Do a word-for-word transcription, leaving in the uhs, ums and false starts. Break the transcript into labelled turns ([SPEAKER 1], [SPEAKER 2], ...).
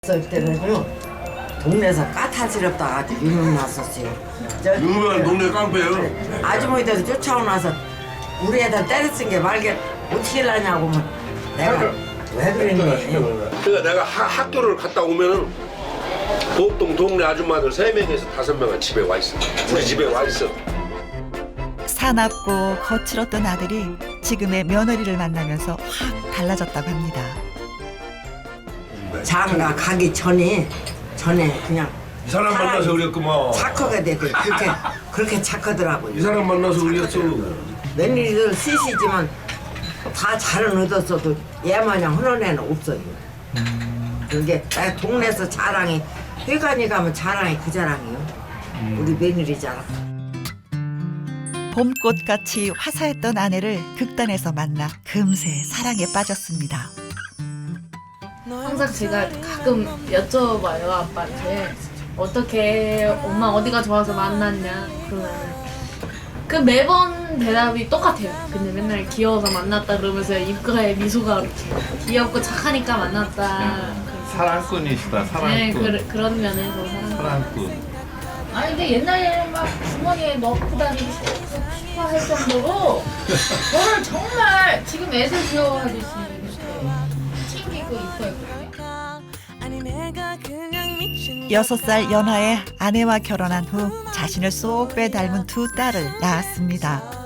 [SPEAKER 1] 할 때는요 동네에서 까탈스럽다 아주 유명났었어요. 저-
[SPEAKER 2] 유명한 동네 깡패요.
[SPEAKER 1] 아주머니들 쫓아오 나서 우리 애들 때려쓴 게 말게 어떻게 하냐고 하면 내가 왜 그랬니?
[SPEAKER 2] 그러니까 내가 하, 학교를 갔다 오면은 보통 동네 아줌마들 세 명에서 다섯 명은 집에 와 있어. 우리 집에 와 있어.
[SPEAKER 3] 사납고 거칠었던 아들이 지금의 며느리를 만나면서 확 달라졌다고 합니다.
[SPEAKER 1] 장가 가기 전에 전에 그냥
[SPEAKER 2] 이 사람 만나서 그랬구만.
[SPEAKER 1] 착하게 되고 그렇게 그렇게 착하더라고요.
[SPEAKER 2] 이 사람 만나서 그랬어.
[SPEAKER 1] 며느리들 셋이지만 다 잘은 얻었어도 얘마냥 흔한 애는 없어요. 그게 나 동네에서 자랑이 회관이 가면 자랑이 그 자랑이요. 우리 며느리 자랑.
[SPEAKER 3] 봄꽃같이 화사했던 아내를 극단에서 만나 금세 사랑에 빠졌습니다.
[SPEAKER 4] 항상 제가 가끔 여쭤봐요 아빠한테 어떻게 엄마 어디가 좋아서 만났냐 그러면 그 매번 대답이 똑같아요. 근데 맨날 귀여워서 만났다 그러면서 입가에 미소가 이렇게 귀엽고 착하니까 만났다.
[SPEAKER 5] 사랑꾼이시다,
[SPEAKER 4] 네
[SPEAKER 5] 사랑꾼.
[SPEAKER 4] 그, 그런 면에서 사랑.
[SPEAKER 5] 사랑꾼.
[SPEAKER 4] 아니 근데 옛날에는 막 주머니에 넣고 다니고 싶어 할 정도로 저를 정말 지금 애들 귀여워하듯이 이렇게 챙기고 이뻐했거든요.
[SPEAKER 3] 여섯 살 연하의 아내와 결혼한 후 자신을 쏙 빼닮은 두 딸을 낳았습니다.